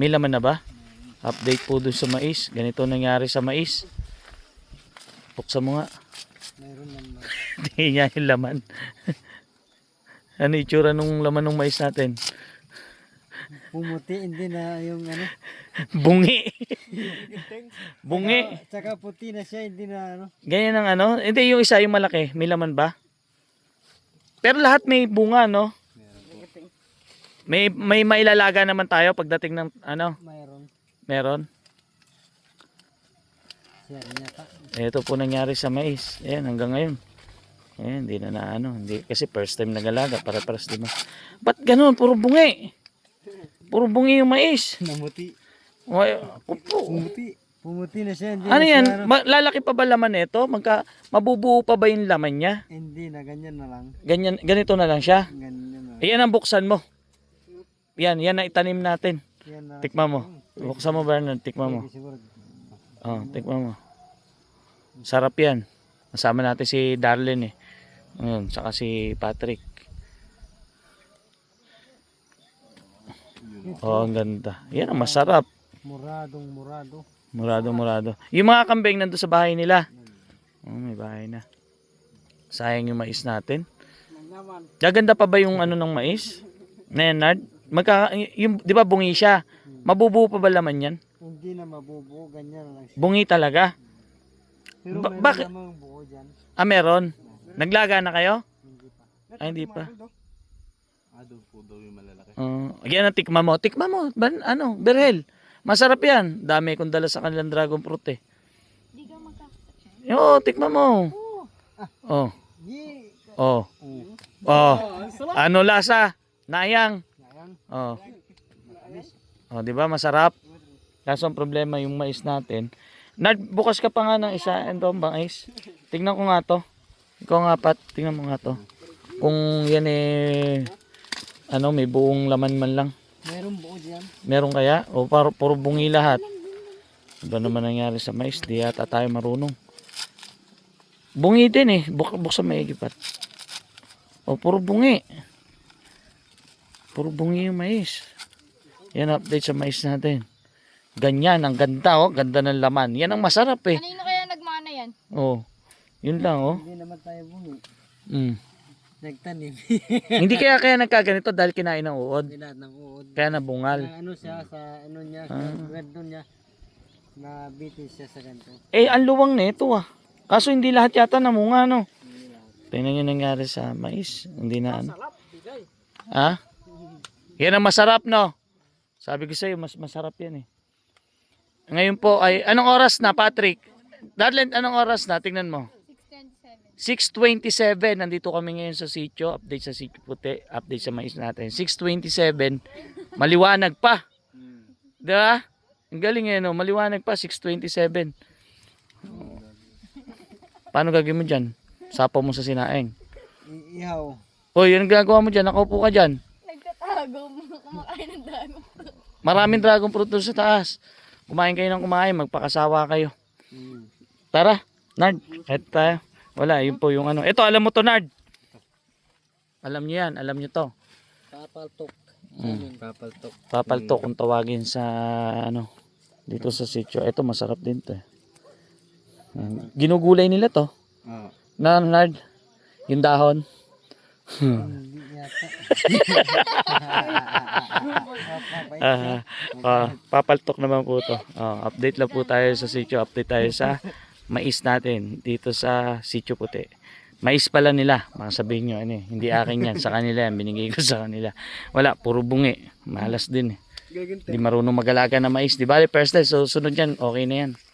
May laman na ba? Update po dun sa mais. Ganito nangyari sa mais. Buksan mo nga. Mayroon naman. Hindi niya yung laman. Ano itsura nung laman ng mais natin? Pumuti, hindi na yung ano. Bungi. Bungi. Tsaka puti na siya, hindi na ano. Ganyan ang ano. Hindi, yung isa yung malaki. May laman ba? Pero lahat may bunga, no? May mailalaga naman tayo pagdating ng ano? Mayroon. Meron. Siya rin yata. Ito po nangyari sa mais. Ayan, hanggang ngayon. Ayan, hindi na ano. Hindi, kasi first time nagalaga. Para-paras, di ba? Ba't ganun? Puro bungi. Puro bungi yung mais. Namuti. Upo. Pumuti na siya. Hindi Ano na yan? siya, ano. Lalaki pa ba laman nito? Mabubuo pa ba yung laman niya? Hindi na, ganyan na lang. Ganito na lang siya. Ganyan na. Ayan ang buksan mo. Yan na itanim natin. Yan na. Tikman mo. Buksan mo, Bernard. Tikman mo. Pwede siguro. Oh, tikman mo. Sarap yan. Kasama natin si Darlene eh. Ayun, saka si Patrick. Oh, ang ganda. Yan ang masarap. Murado. Murado. Yung mga kambing nandun sa bahay nila. Oh, may bahay na. Sayang yung mais natin. Gaganda pa ba yung ano ng mais? Nenard? Yung, di ba bungi siya? Mabubuo pa ba laman yan? Hindi na mabubuo, ganyan na lang siya. Bungi talaga. Pero meron bakit? namang buo dyan. Ah, meron. Naglaga na kayo? Hindi pa. Ay, hindi pa. Doon po daw yung malalaki. Yan ang tikma mo. Tikma mo. Ano, Berhel. Masarap yan. Dami kong dala sa kanilang dragon fruit eh. Hindi ka magkakasya. Yo, tikma mo. Oh. Oh. Oh. Ano lasa? Nayang. Oh. Oh, 'di ba masarap? Kaso ang problema yung mais natin. Bukas ka pa nga ng isa, ito mais. Tingnan ko nga to. Ikaw nga Pat, tingnan mo nga to. Kung yan eh ano, may buong laman man lang. Meron buo dyan. Meron kaya? O puro bungi lahat? Ano naman nangyari sa mais? Di yata tayo marunong. Bungi din eh. Buksan maigi Pat. O puro bungi. Puro bungi yung mais. Yan update sa mais natin. Ganyan, ang ganda oh. Ganda ng laman. Yan ang masarap eh. Kanino kaya nagmana yan? Oh. Yun lang oh. Hindi naman tayo bungi. Nagtanim. Hindi kaya nagkaganito dahil kinain ng uod. Lahat ng uod. Kaya nabungal. Na ano siya sa ano niya, sa ganito niya. Nabitin siya sa ganito. Eh, ang luwang nito ah. Kaso hindi lahat yata namunga no. Tingnan nyo nangyari sa mais. Hindi na ano. Ha? Yan ang masarap no. Sabi ko sa'yo, mas masarap yan eh. Ngayon po ay, anong oras na Patrick? Darlene, anong oras na? Tingnan mo. 6:27. Nandito kami ngayon sa sitio. Update sa sitio puti. Update sa mais natin. 6:27. Maliwanag pa. Diba? Ang galing eh no. Maliwanag pa. 6:27. Paano gagawin mo dyan? Sapaw mo sa sinaing. Ihaw. Hoy, yun ang gagawa mo dyan. Nakaupo ka dyan. Nagtatago mo. Kumakain ng dragon. Maraming dragon fruit doon sa taas. Kumain kayo ng kumain. Magpakasawa kayo. Tara. Nard. Eto tayo. Wala. Yun po yung ano. Ito, alam mo to Nard. Alam nyo yan. Alam nyo to. Papaltok. Papaltok. Papaltok kung tawagin sa ano. Dito sa sitio. Ito masarap din to. Ginugulay nila to. Na Nard. Yung dahon. Hindi yata. Papaltok naman po to. Update lang po tayo sa sitio. Update tayo sa mais natin dito sa sitio puti. Mais pala nila. Baka sabihin nyo, ano, hindi akin yan. Sa kanila yan. Binigay ko sa kanila. Wala, puro bungi. Malas din eh. Hindi marunong mag-alaga na mais. Di ba? First day, so sunod yan, okay na yan.